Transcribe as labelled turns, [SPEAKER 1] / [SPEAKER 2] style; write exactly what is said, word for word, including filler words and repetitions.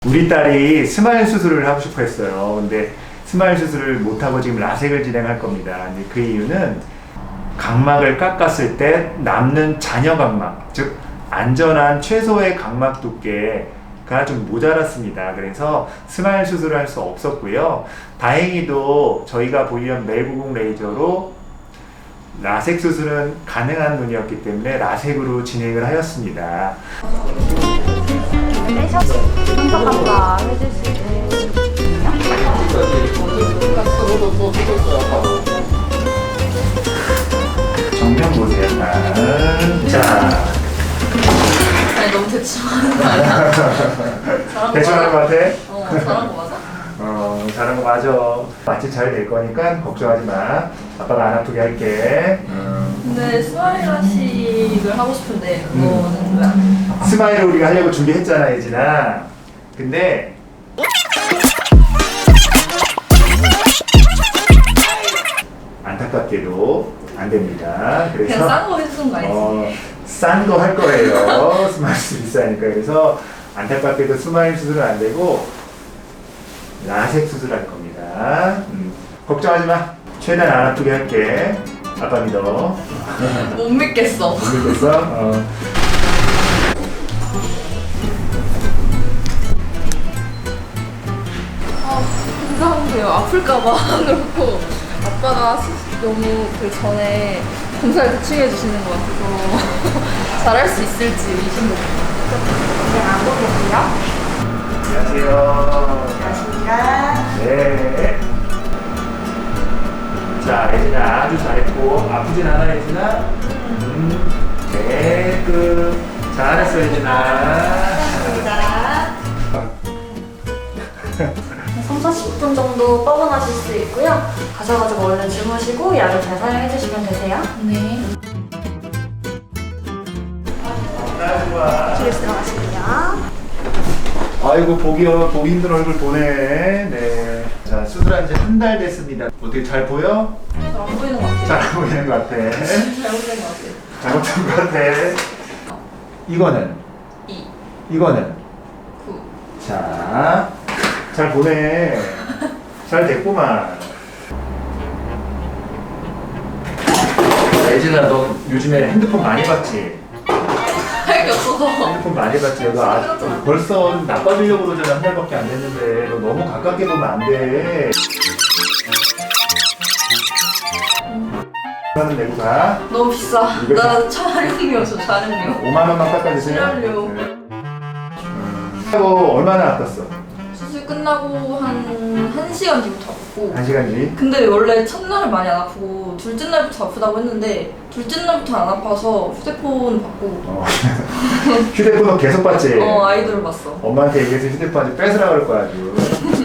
[SPEAKER 1] 우리 딸이 스마일 수술을 하고 싶어 했어요. 근데 스마일 수술을 못하고 지금 라섹을 진행할 겁니다. 근데 그 이유는 각막을 깎았을 때 남는 잔여 각막, 즉 안전한 최소의 각막 두께가 좀 모자랐습니다. 그래서 스마일 수술을 할 수 없었고요. 다행히도 저희가 보유한 멜구공 레이저로 라섹 수술은 가능한 눈이었기 때문에 라섹으로 진행을 하였습니다.
[SPEAKER 2] 분석한다 해주시고요.
[SPEAKER 1] 정면 보세요. 자,
[SPEAKER 2] 아니 너무 대충 하는 거 아니야? 잘한 거
[SPEAKER 1] 대충 하는 거
[SPEAKER 2] 맞아?
[SPEAKER 1] 같아?
[SPEAKER 2] 어, 잘한 거 맞아?
[SPEAKER 1] 어, 잘한 거 맞아. 마취 잘 될 거니까 걱정하지 마. 아빠가 안 아프게 할게. 음.
[SPEAKER 2] 근데 스마일 라식을 하고 싶은데 그거는 왜 안 해?
[SPEAKER 1] 스마일을 우리가 하려고 준비했잖아, 예진아. 근데 안타깝게도 안 됩니다. 그래서
[SPEAKER 2] 그냥 싼 거 해주는 거 아니지?
[SPEAKER 1] 어, 싼 거 할 거예요. 스마일 수술 비싸니까. 그래서 안타깝게도 스마일 수술은 안 되고 라섹 수술할 겁니다. 음, 걱정하지 마. 최대한 안 아프게 할게. 아빠 믿어.
[SPEAKER 2] 못 믿겠어.
[SPEAKER 1] 못 믿겠어? 어.
[SPEAKER 2] 아, 이상한데요. 아플까봐 그렇고 아빠가 수- 너무 그 전에 검사를 대충 해주시는 것 같아서 잘할 수 있을지 의심됩니다.
[SPEAKER 3] 네, 안 보겠고요.
[SPEAKER 1] 안녕하세요.
[SPEAKER 3] 안녕하십니까.
[SPEAKER 1] 네. 자, 예진아 아주 잘했고 아프진 않아, 예진아? 음, 네, 그 잘했어, 예진아.
[SPEAKER 3] 감사합니다. 삼, 사십 분 정도 뻐근하실 수 있고요. 가셔가지고 얼른 주무시고 약을 잘 사용해 주시면 되세요.
[SPEAKER 2] 네.
[SPEAKER 1] 나 좋아.
[SPEAKER 3] 뒤로 들어가시고요.
[SPEAKER 1] 아이고 보기 어- 보기 힘든 얼굴 보네. 네. 자, 수술한 지 한 달 됐습니다. 어떻게 잘 보여?
[SPEAKER 2] 잘 안 보이는 것 같아요.
[SPEAKER 1] 잘 안 보이는 것 같아.
[SPEAKER 2] 잘못된 것 같아요.
[SPEAKER 1] 잘못한 것 같아. 이거는
[SPEAKER 2] 이,
[SPEAKER 1] 이거는
[SPEAKER 2] 구.
[SPEAKER 1] 자, 잘 보네. 잘 됐구만. 예진아, 너 요즘에 핸드폰 많이 봤지?
[SPEAKER 2] 할 게 없어서.
[SPEAKER 1] 핸드폰 많이 봤지? 너 아, 벌써 나빠지려고 그러잖아. 한 달밖에 안 됐는데. 너 너무 가깝게 보면 안 돼. 하는 내고 가.
[SPEAKER 2] 너무 비싸.
[SPEAKER 1] 이거
[SPEAKER 2] 나 촬영료 저 촬영료.
[SPEAKER 1] 오만 원만 깎아주세요.
[SPEAKER 2] 출연료.
[SPEAKER 1] 네. 음. 하고 얼마나 아팠어?
[SPEAKER 2] 수술 끝나고 한 한 시간 뒤부터 아프고.
[SPEAKER 1] 한 시간 뒤?
[SPEAKER 2] 근데 원래 첫날은 많이 안 아프고 둘째 날부터 아프다고 했는데 둘째 날부터 안 아파서 휴대폰 받고
[SPEAKER 1] 어. 휴대폰 너 계속 봤지?
[SPEAKER 2] 어 아이돌 봤어.
[SPEAKER 1] 엄마한테 얘기해서 휴대폰 아주 뺏으라 그럴 거야 아주.